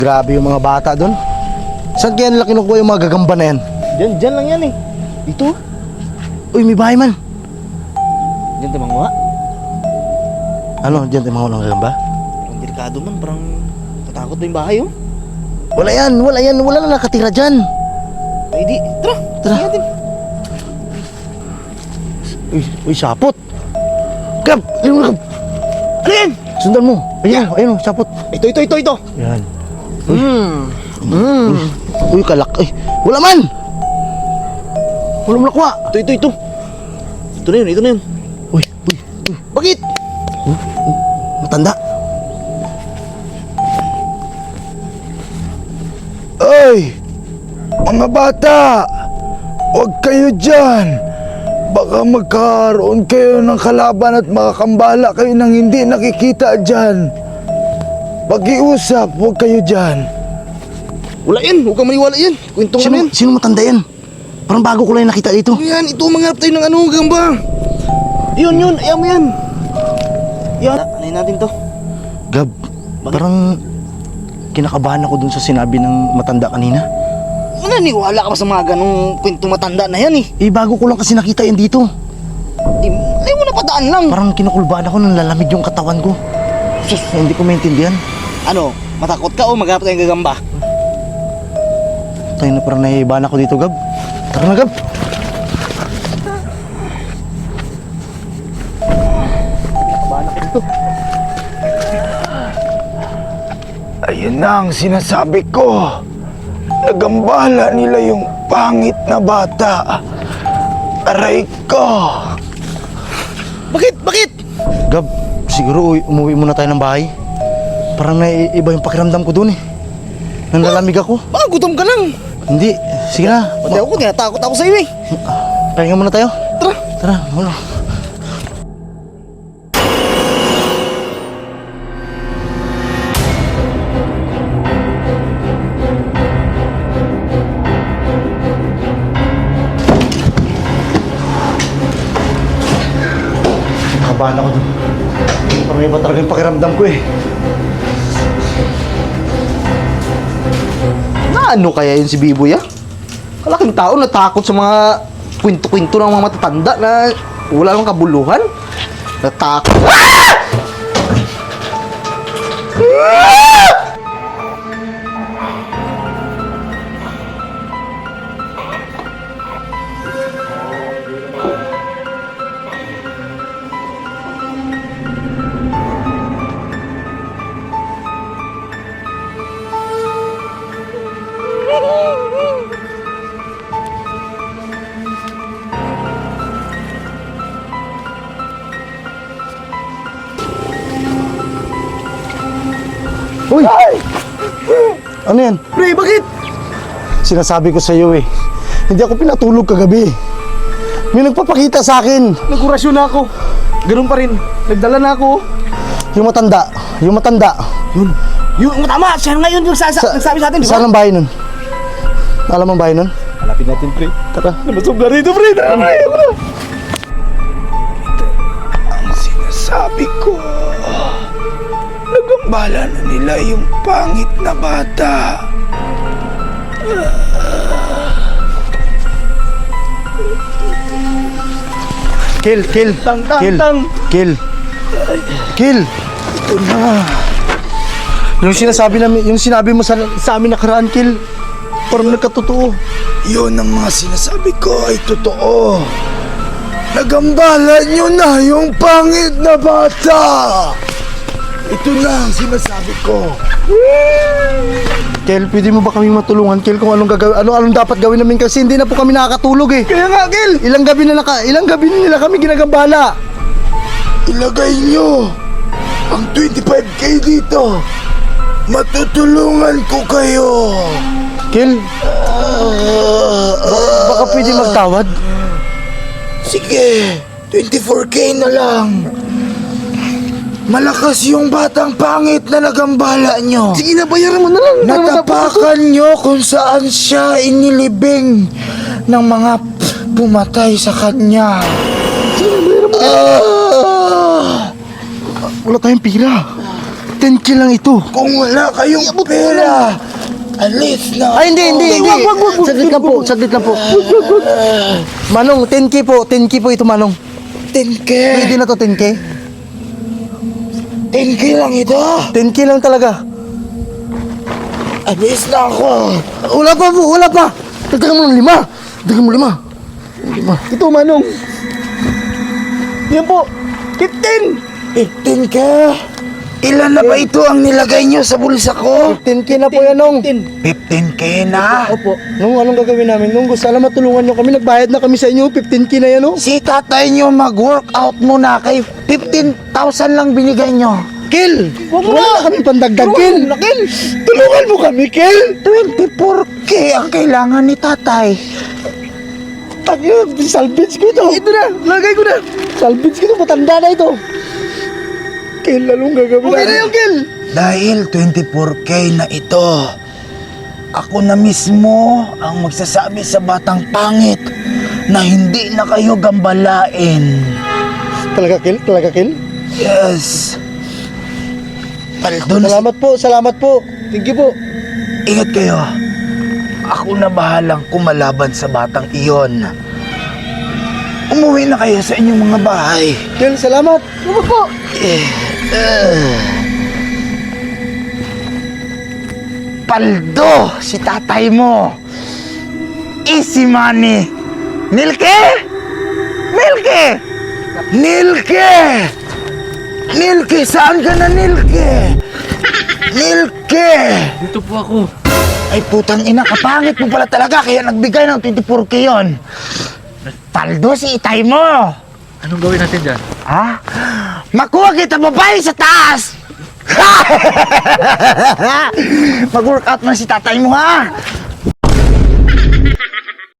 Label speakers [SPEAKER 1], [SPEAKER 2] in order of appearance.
[SPEAKER 1] Grabe yung mga bata doon. Saan kaya nila kinukuha yung mga gagamba na yan?
[SPEAKER 2] Diyan lang yan eh. Dito.
[SPEAKER 1] Uy, may bahay man.
[SPEAKER 2] Diyan tayo mga.
[SPEAKER 1] Ano, dyan tayo mga gagamba?
[SPEAKER 2] Parang delikado man, parang tatakot na yung bahay oh.
[SPEAKER 1] Wala yan, wala na nakatira dyan.
[SPEAKER 2] Ay di, tara.
[SPEAKER 1] Tara.
[SPEAKER 2] Sige natin.
[SPEAKER 1] Uy, sapot. Gab, ayun mo, Gab.
[SPEAKER 2] Ano yan?
[SPEAKER 1] Sundan mo. Ayun, sapot.
[SPEAKER 2] Ito.
[SPEAKER 1] Yan. Uy, kalak. Ay, wala man. Walang lakwa.
[SPEAKER 2] Ito. Ito na yun.
[SPEAKER 1] Uy.
[SPEAKER 2] Bakit?
[SPEAKER 1] Matanda. Ay! Mga bata! Huwag kayo dyan! Baka magkaroon kayo ng kalaban at makakambala kayo nang hindi nakikita dyan. Pag-iusap, huwag kayo dyan.
[SPEAKER 2] Wala yan, huwag kang maniwala yan. Kwento ano yan?
[SPEAKER 1] Sino matanda yan? Parang bago ko lang nakita dito.
[SPEAKER 2] Ano yan? Ito, mangarap tayo ng ano, gamba. Yun, ayaw mo yan. Yan. Anayin natin to.
[SPEAKER 1] Gab, parang kinakabahan ako dun sa sinabi ng matanda kanina.
[SPEAKER 2] Naniniwala ka ba sa mga ganong kwento matanda na yan eh?
[SPEAKER 1] Bago ko lang kasi nakita yan dito.
[SPEAKER 2] Ayaw mo na padaan lang.
[SPEAKER 1] Parang kinukulbaan ako nang lalamig yung katawan ko. Sus, hindi ko maintindihan.
[SPEAKER 2] Ano, matakot ka o maghanap tayong gagamba?
[SPEAKER 1] Tayo na parang naiibahan ako dito, Gab. Tara na, Gab. Ayun na ang sinasabi ko. Nagambala nila yung pangit na bata. Aray ko.
[SPEAKER 2] Bakit?
[SPEAKER 1] Gab, siguro umuwi muna tayo ng bahay. Parang naiiba yung pakiramdam ko dun eh. Nanlalamig ako.
[SPEAKER 2] Baka gutom ka lang.
[SPEAKER 1] Hindi, sige na.
[SPEAKER 2] Pati ako, tinatakot ako sa iyo eh.
[SPEAKER 1] Pahinga muna tayo. Tara, wala. Kabahan ako dun. Parang iba talaga yung pakiramdam ko eh.
[SPEAKER 2] Ano kaya yun si Biboy ah? Kalaking tao natakot sa mga kwento-kwento ng mga matatanda na wala namang kabuluhan. Natakot.
[SPEAKER 1] Uy! Ano yan?
[SPEAKER 2] Pre, bakit?
[SPEAKER 1] Sinasabi ko sa iyo eh. Hindi ako pinatulog kagabi. May nagpapakita sa akin.
[SPEAKER 2] Nagkurasyon na ako. Ganun pa rin. Nagdala na ako.
[SPEAKER 1] Yung matanda.
[SPEAKER 2] Yung tama, siya ngayon yung nagsabi sa atin, di ba?
[SPEAKER 1] Saan ang bahay nun? Alam ang bahay nun?
[SPEAKER 2] Hanapin natin, pre.
[SPEAKER 1] Tara.
[SPEAKER 2] Namasog na rito, pre.
[SPEAKER 1] Ang sinasabi ko. Nagambala na nila yung pangit na bata. Kill.
[SPEAKER 2] Tang.
[SPEAKER 1] Kill. Ito na. Yung sinabi mo sa amin nakaraan, Kill. Parang nagkatotoo. Yun ang mga sinasabi ko ay totoo. Nagambala nyo na yung pangit na bata. Ito na ang sinasabi ko. Kel, pwede mo ba kaming matulungan, Kel, kung anong dapat gawin namin kasi hindi na po kami nakakatulog eh. Kaya nga, Kel, ilang gabi na nila kami ginagambala. Ilagay nyo ang 25K dito. Matutulungan ko kayo. Kel, baka pwede magtawad? Sige, 24K na lang. Malakas yung batang pangit na nagambala nyo.
[SPEAKER 2] Sige na, bayaran mo na lang.
[SPEAKER 1] Natapakan nyo kung saan siya inilibing ng mga pumatay sa kanya.
[SPEAKER 2] Sige na, bayaran mo.
[SPEAKER 1] Wala tayong pira. 10K lang ito.
[SPEAKER 3] Kung wala kayong pera, alis na.
[SPEAKER 1] Ay, hindi.
[SPEAKER 2] Wag.
[SPEAKER 1] Saglit lang po. Manong, 10K po ito, Manong.
[SPEAKER 3] 10K.
[SPEAKER 1] Pwede na to, 10K.
[SPEAKER 3] 10K lang ito.
[SPEAKER 1] 10K lang talaga.
[SPEAKER 3] Alis na ako.
[SPEAKER 1] Wala pa. Dagdagan mo ng 5. Ito, Manong. Yan po. 15.
[SPEAKER 3] 15K. Ilan na ba ito ang nilagay nyo sa bulsa ko?
[SPEAKER 1] 15K na po yan, Nong.
[SPEAKER 3] 15K na.
[SPEAKER 1] Opo. Nung anong gagawin namin? Nung sana matulungan nyo kami, nagbayad na kami sa inyo, 15K na yan, oh.
[SPEAKER 3] Si tatay nyo mag-workout muna kay 15,000 lang binigay nyo.
[SPEAKER 1] Kill! Wala na kami pandagdag, Kill! Tulungan mo kami, Kill!
[SPEAKER 3] 24K ang kailangan ni tatay.
[SPEAKER 1] Tagyo, salvage ko ito. Ito na, lagay ko na. Salvage ko ito, matanda na ito. Kill, anong gagawin namin? Okay na yung Kill!
[SPEAKER 3] Dahil 24K na ito, ako na mismo ang magsasabi sa batang pangit na hindi na kayo gambalain.
[SPEAKER 1] Talaga, Kill?
[SPEAKER 3] Yes. Paldo na
[SPEAKER 1] Salamat po. Thank you po.
[SPEAKER 3] Ingat kayo. Ako na bahalang kumalaban sa batang iyon. Umuwi na kayo sa inyong mga bahay.
[SPEAKER 1] Kill, salamat. Salamat po.
[SPEAKER 3] Paldo, si tatay mo. Easy money. Nilke! Nilke, saan ka na, Nilke?
[SPEAKER 4] Dito po ako.
[SPEAKER 3] Ay putang ina, kapangit mo pala talaga kaya nagbigay ng 24K yun. Paldo, si itay mo.
[SPEAKER 4] Anong gawin natin dyan?
[SPEAKER 3] Ha? Makuha kita babae sa taas! Mag-workout man si tatay mo, ha?